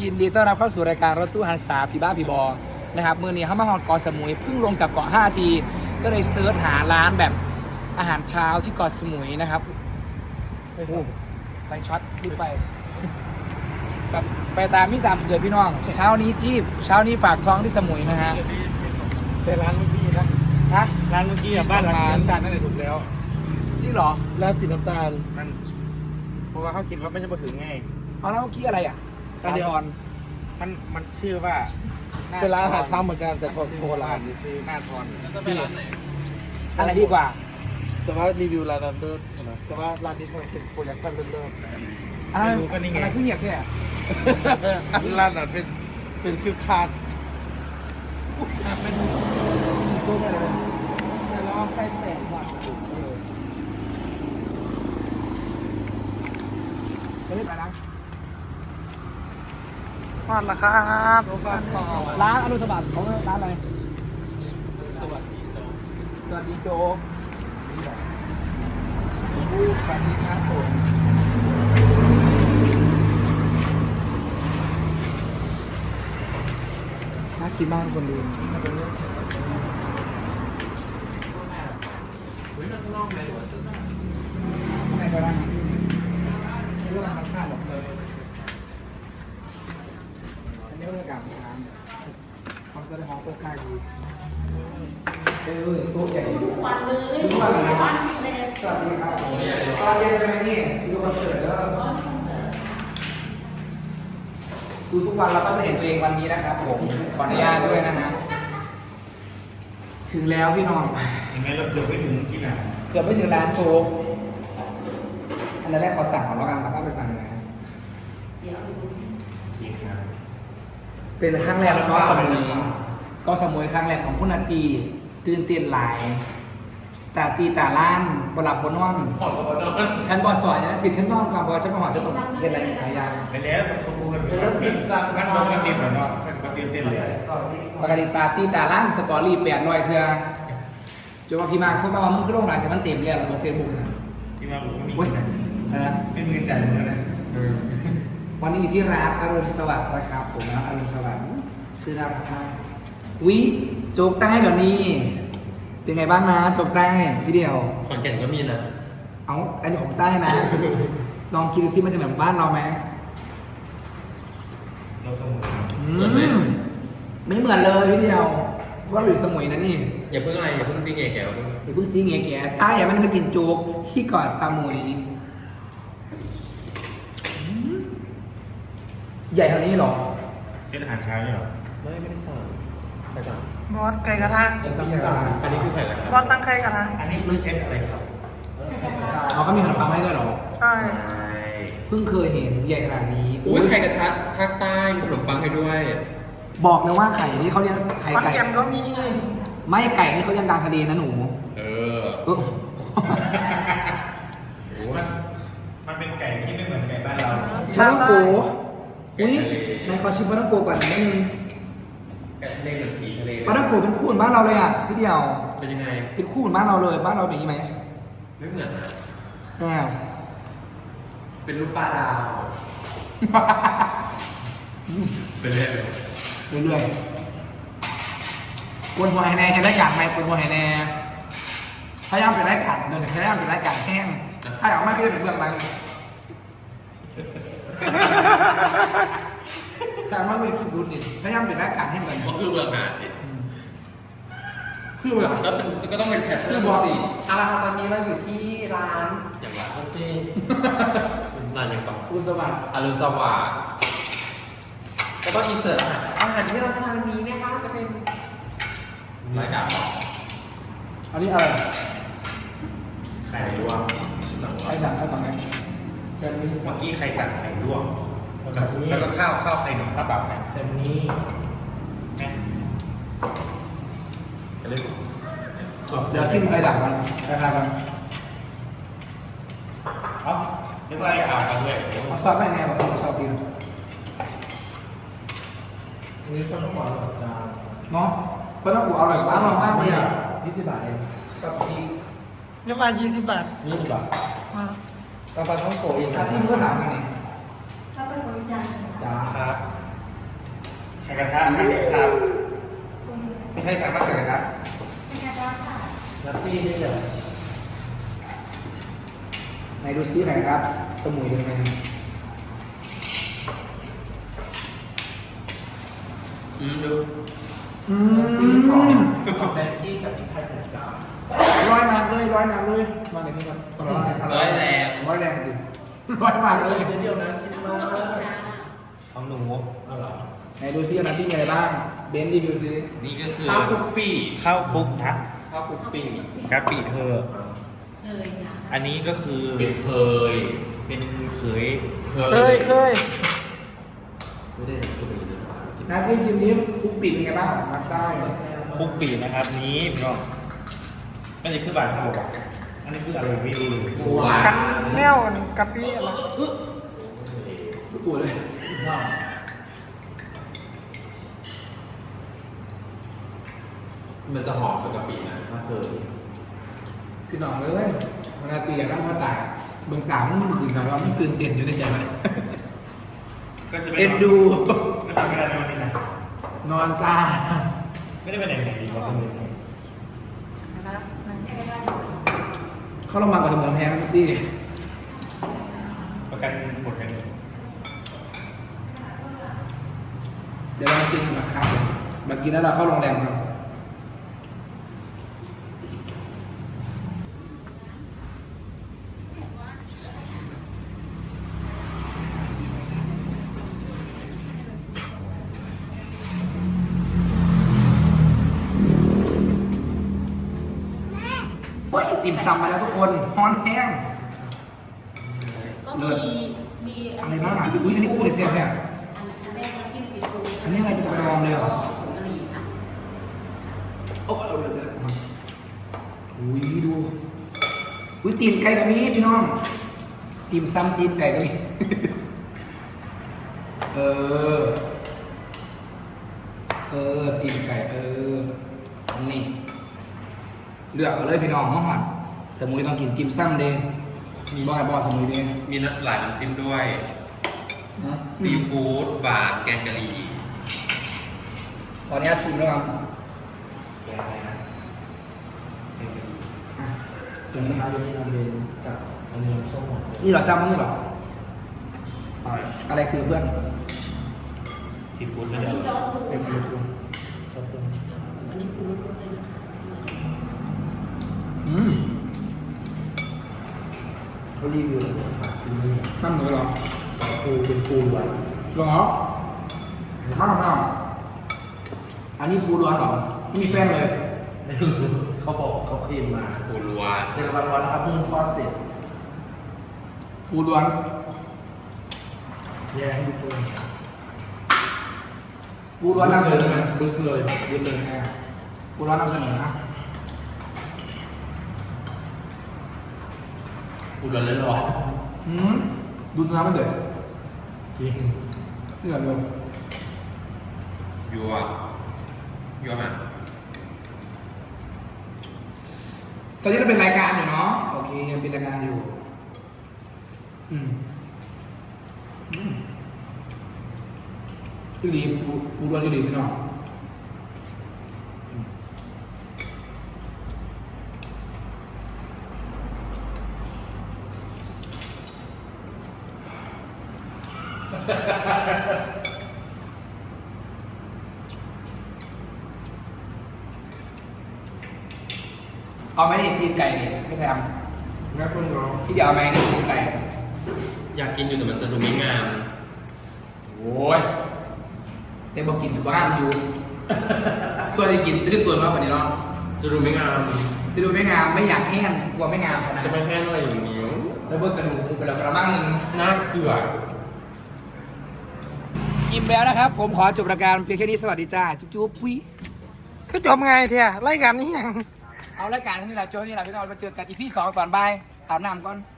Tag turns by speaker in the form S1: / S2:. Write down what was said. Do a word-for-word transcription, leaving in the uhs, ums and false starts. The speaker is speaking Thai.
S1: ยินดีต้อนรับเข้าสู่รายการรถตู้หันษาพี่บ้าพี่บอนะครับมือนี้เขามาฮอดเกาะสมุยเพิ่งลงจากเกาะห้าทีก็เลยเซิร์ชหาร้านแบบอาหารเช้าที่เกาะสมุยนะครับโอ้โหไปช็อตรีบไปแบบไปตามพี่ตามเกิดพี่น้องเช้านี้ที่เช้านี้ฝากท้องที่สมุยนะฮะ
S2: แต่ร้านเมื่อกี้นะ
S1: ฮะ
S2: ร้านเมื่อกี้อะบ้านหลังสีน้ำตาลนั่นแหละถูกแล้ว
S1: จริงเหรอ
S3: ร้านสีน้ำตาล
S2: มันเพราะว่าเขาคิดว่าไม่ใช่มาถึงไง
S1: เอาแล้วเมื่อกี้อะไรอ่ะสาทร
S2: มันมันชื่อว่าห
S3: เป็นร้านอาหารเช้าเหมือนกันแต่ของโบราณ
S2: คือหน้าทอน
S1: พี่อะไรดีกว่า
S3: แต่ว่ารีวิวร้านนั้นด้วยนะแต่ว่าร้านนี้มันเป็นโปรดักชั่นเริ่ม
S1: อะไรอะไรที่เหยียบเนี่ย
S3: ๆอันร้านนั้นเป็นเป็นคิวคาร์ด
S1: เป็นตัวอะไรเลยแต่เราใกล้แสงก่อนจะรีบไปนะ
S2: มาละครับ
S1: ร้านอนุสบัติของร้านอะไรสวัสดีโจสวัสดีโจสวัสดีครับผมน่ากินมากคนดูไม่ก็ได้ไม่รู้ว่ามันชาติหรอกเลยอันนี้บรรยากาศร้านมันก็ได้ห้องโต๊ะข้างดีเออโต๊ะใหญ่ทุกวันเลยทุกวันเลยสวัสดีครับตอนเย็นใช่ไหมนี่ดูคอนเสิร์ตแล้วดูทุกวันเราก็จะเห็นตัวเองวันนี้นะครับผมขออนุญาตด้วยนะฮะถึงแล้วพี่น้อง
S2: ยังไงเราเกือบไม่ถึงที่ไหน
S1: เกือบไม่ถึงร้านโชกอันแรกขอสั่งก่อนแล้วกันครับว่าไปสั่งไหน
S2: จริงครับ
S1: เป็นครั้งแรกก็สมุยก็สมุยครั้งแรกของคุณนาตีตื่นเต้นหลายแต่ตีแต่ล้านบหลับบนนอนฉันบอสอนนะสิฉันนอนก่อนบอฉันมาหอจะต้องเป็นอะไรหลายอย่าง
S2: ไปแล้วสมบูรณ์แล้วติดสั่งงั้นเราก็ติดเหมือนเนาะก็ติดเต้นเลย
S1: ปกติตาตีแต่ล้านสตอรี่แปดร้อยเทือจนว่าพี่มาเขามาว่ามึงขึ้นโรงแรมแต่มันเต็มแล้วบนเฟซบุ๊กนะ
S2: ที่มาผมก็มี
S1: เว้ยนะ
S2: ไม่มีใจเหมือนกันนะ
S1: วันนี้อยู่ที่ร้านอรุณสวัสดิ์นะครับผมนะอรุณสวัสดิ์ชื่อน่ารักมากวิโจ๊กใต้เดี๋ยวนี้เป็นไงบ้างนะโจ๊กใต้พี่เดียว
S4: ขอนแก่นก็มีนะ
S1: เอาอันนี้ของใต้นะ ลองคิดดูซิมันจะเหมือนบ้านเราไหม
S2: เราสมุน
S1: อืมไม่เหมือนเลยพี่เดียวว่าอยู่สมุยนะนี่
S4: อย่าเพิ่งอะไรอย่าเพิ่งซีเงี้ยแกว
S1: เดี๋ยวเพิ่งซีเงี้ยแก่ใต้อย่ามันมากินโจ๊กที่เกาะตามุยอืมใหญ่เท่านี้เหรอ
S2: เช่นอาหารเช้าเนี่ยหรอ
S4: ไม่ไม่ได้สั่งไม่สั่ง
S5: บอสไก่กระทะ
S1: ฉันสั่งสั่ง
S4: อันนี้คือไข่กระทะ
S5: บอสสั่งไก่กระทะ
S2: อันนี้คือเซตอะไรครับ
S1: เขาก็มีขนมปังให้ด้วยเหรอ
S5: ใช่
S4: ใช่
S1: เพิ่งเคยเห็นใหญ่ขนาดนี้
S4: อุ้ยไข่กระทะภาคใต้มีขนมปังให้ด้วย
S1: บอกเลยว่าไข่นี่เขาเรียกไข่
S5: คอน
S1: ไก่
S5: แก่นก็มี
S1: ไม่ไก่นี่เขาเรียกกลางทะเลนะหนู
S4: เออ
S1: เออ
S2: มันมันเป็นไก่ที่ไม่เหมือนไก่บ้านเรา
S1: ปลาต้องโกอุ้ยนายขอชิมปลาต้องโกก่อนนิดนึง
S4: ไก่ทะเลเหมือนผีทะเล
S1: ปลาต้องโกเป็นคู่เหมือนบ้านเราเลยอ่ะพี่เดียว
S4: เป็นยังไง
S1: เป็นคู่เหมือนบ้านเราเลยบ้านเราเป็นอย่างนี้ไหม
S4: ไม่เหมือนนะ
S1: ใช่
S4: เป็นรูปปลาดาวเป็นเรื่อย
S1: เรื่อยๆกวนหัวไฮแน่เห็นรายการไหมกวนหัวไฮแน่พยายามเป็นรายการเดินพยายามเป็นรายการแห้งถ้าอยากไม่ก็จะเป็นเบื้องหลังแต่ว่าไม่คิดดูดิพยายามเป็นรายการแห้งก่อน
S4: ก็คือเบื้องหน้าดิ
S1: คือแบบ
S4: ก็เป็นก็ต้องเป็นแคทเธอร์บอสิเอาละครับตอนนี้เราอยู่ที่ร้านอย่างไรโอเคร้านอย่างก่อน
S1: คุณสวัสดิ์
S4: อรุณสวัสดิ์แล้วก็อินเสิร์ตอาหารอาหารที่เราทานวันนี้นะคะจะเป็นรายการบอก
S1: อันนี้อะไร
S2: ไข่ลวก
S1: ใครสั่งใครสั่งไหมเจนนี่
S2: เมื่อกี้ใครสั่งไข่ลวกแล้วก็ข้าวข้าวไข่หนุ่มข้าวเปล่านะ
S1: เจนนี่
S2: จะเล่น
S1: เดี๋ยวทิ้มใครสั่งมันใครสั่งมัน
S2: เอ้าเรียกว่าอะไรอ่านด้วย
S1: เอาซอสไม่แน่แบบผมชอบกิน
S3: นี่ก็ต้องหวานสองจาน
S1: เนาะเพราะต้องกูอร่อยมากมากเลยอ่ะ
S3: ยี่สิบบาทเอง
S1: ชอบกิน
S5: เรียกว่ายี่สิบบาท
S3: ยี่สิบบาท
S5: อ่า
S3: กาแฟท้องโกะเอง
S1: ถ้าที่มันก็สั่งกันนี่
S5: ถ้าเป็นบริจาค
S1: จ้า
S2: ครับกระทะอันนี้ครับไม่ใช่สามารถใส่กระทะ
S3: นัตตี้นี่เหรอ
S1: ไหนดูซิไหนครับ สมุยเป็นไงครับ
S4: อืมดู
S1: อืม
S3: ของแบงกี้กับพี่ไทยแต่จ้า
S1: ร้อยมากเลยร้อยมากเลยมาเดี๋ยวนี้ก่อนร้อย
S4: ร้อยแรง
S1: ร้อยแรงดิร้อยมากเลย
S3: เช่นเดียวนะกินมาก
S2: ของหนู
S3: เอาเหรอ
S1: ไหนดูซิอันนั้นที่มีอะไรบ้างเบนซ์รีวิวซิ
S4: นี่ก็คือ
S2: ข้าวคลุกปีข้าวคลุกนะ
S4: ข้าวคลุกปี
S2: กะปิเธออันนี้ก็คือ
S4: เป็นเคย
S2: เป็นเขย
S5: เคยเคย
S4: ไม่ได้คือเป็นเรื่องของกิน
S1: น้ำจิ้มจิ้มนี้คุกปิดเป็นไงบ้างมักได้
S2: คลุกปีนะครับนี้พี่น้องอันนี้คือบาทเท่าไหร่อันนี้คืออะไรไม่รู้เลย
S4: ปูหวาน
S5: กันแนวกะปิอะไร
S1: ลูกตัวเลย
S4: มันจะหอมกับกะปินะถ้าเคย
S1: พี่น้องเลยมันอาตีอย่างนั้นมาตายเบื้องต่างมันคืนนะว่ามันตื่นเต้นอยู่ในใจมัน
S2: ก็จะไม่
S1: เอ็นดู
S2: ก็ทำไม่ได้ในวันนี้นะ
S1: นอนตา
S2: ไม่ได้ไปไหนไหนดีกว่าคนอื่น
S1: เขาลงมากกว่าเหมือนแพ้ครับพี่
S2: ประกันหมดกันนี้
S1: เดี๋ยวเรามากินกันนะครับเมื่อกี้นั้นเราเข้าโรงแรมครับเฮ้ยติ่มซำมาแล้วทุกคนฮอนแห้ง
S6: ก็
S1: เลิ
S6: มี
S1: ศ
S6: มี
S1: อะไรบ้างอ่ะอุ้ยอันนี้กุ้งเลยเสียบเนี่ย
S6: อันอันแรกน้ำจิ้มซีฟู้ด
S1: อันนี้อะไรเป็นกระดองเลยเหรอ
S6: กะหรี่ค่ะ
S1: โอ้เอาเลยเลยอุ้ยดูอุ้ยตีนไก่ก็มีพี่น้องตีมซ้ำตีนไก่ก็มี เออ เออตีนไก่เออ นี่ เลือกเอาเลยพี่น้องมาหอดสมุยต้องกินกิมซ้ำเด้มีบ่อยบ่อสมุยเด้
S4: มีหลายน้ำจิ้มด้วย
S1: นะ
S4: ซีฟู้ดหวานแกงกะหรี่
S1: ขออนุญาตชิมแล้วกัน
S2: แกอะไรนะ
S1: อ่ะ
S3: ถึงนะครับเดี๋ยวนี้เราเป็นกับอันนี้น้ำส้มหมดเลย
S1: นี่เหราจำมั้งนี่เหรอ
S2: อร่อย
S1: อะไรคือเพื่อน
S2: ซีฟู้ดก็
S6: อัน
S2: จะ
S6: นี้โจ๊กปู
S3: เป็นยูทูบขอบคุณ
S6: อันนี้ปูนุ่มเลยนะ
S1: อืม
S3: เขารีวิวเลยค่ะที่นี่
S1: น้ำหนูเหรอ
S3: ปูเป็นปูล้วน
S1: หรอมากมากอันนี้ปูร้อนเหรอไม่มีแป้งเลย
S3: เขาบอกเขาเคลมมา
S4: ปูรัว
S3: เป็นวันร้อนนะครับเพิ่งทอดเสร็จ
S1: ปูร้อน
S3: แยกให้ดูปู
S1: ปูร้อนนำเสนอไหม
S3: รู้สึกเลย
S1: เย็นเลยแม่ปูร้อนนำเสนอนะ
S4: ปูรัวเลยหรอ
S1: อืมดูเนื้อมันเดือด
S3: จริง
S1: เดือดเลย
S4: ยัวยัวมาก
S1: ตอนนี้เราเป็นรายการอยู่เนาะโอเคยังเป็นรายการอยู่ อืมอืมพี่ลีปูปูร้อนพี่ลีพี่น้องอืมเอาไหมนี่ตีนไก่เนี่ยไม่ใช่ท
S3: งั้นคุณน้อง
S1: ำพี่เดี๋ยวเอาไหมนี่ตีนไก่
S4: อยากกินอยู่แต่มันจะดูไม่งาม
S1: โอ้ยแต่บอกกินอยู่บ้านอยู่ ส่วนที่กินจะได้ตัวมากกว่านี้เนาะ
S4: จะดูไม่งาม
S1: จะดูไม่งามไม่อยากแห้งกลัวไม่งามขนาด
S4: จะ
S1: นั้น
S4: ไม่แห้งอะไรอย่างนี้
S1: แล้วเบิกกระดูกหมูไปแล้วกระมังหนึ่ง
S4: น่าเกลือ
S1: กินแล้วนะครับ ผมขอจบรายการเพียงแค่นี้สวัสดีจ้า จุ๊บจุ๊บปุ้ย
S5: คือจบไงเทียรายการนี้ยัง
S1: เอารายการที่เราโจ้ที่เราพี่น้องมาเจอกันอีพีสองก่อนบายอาบน้ำก่อน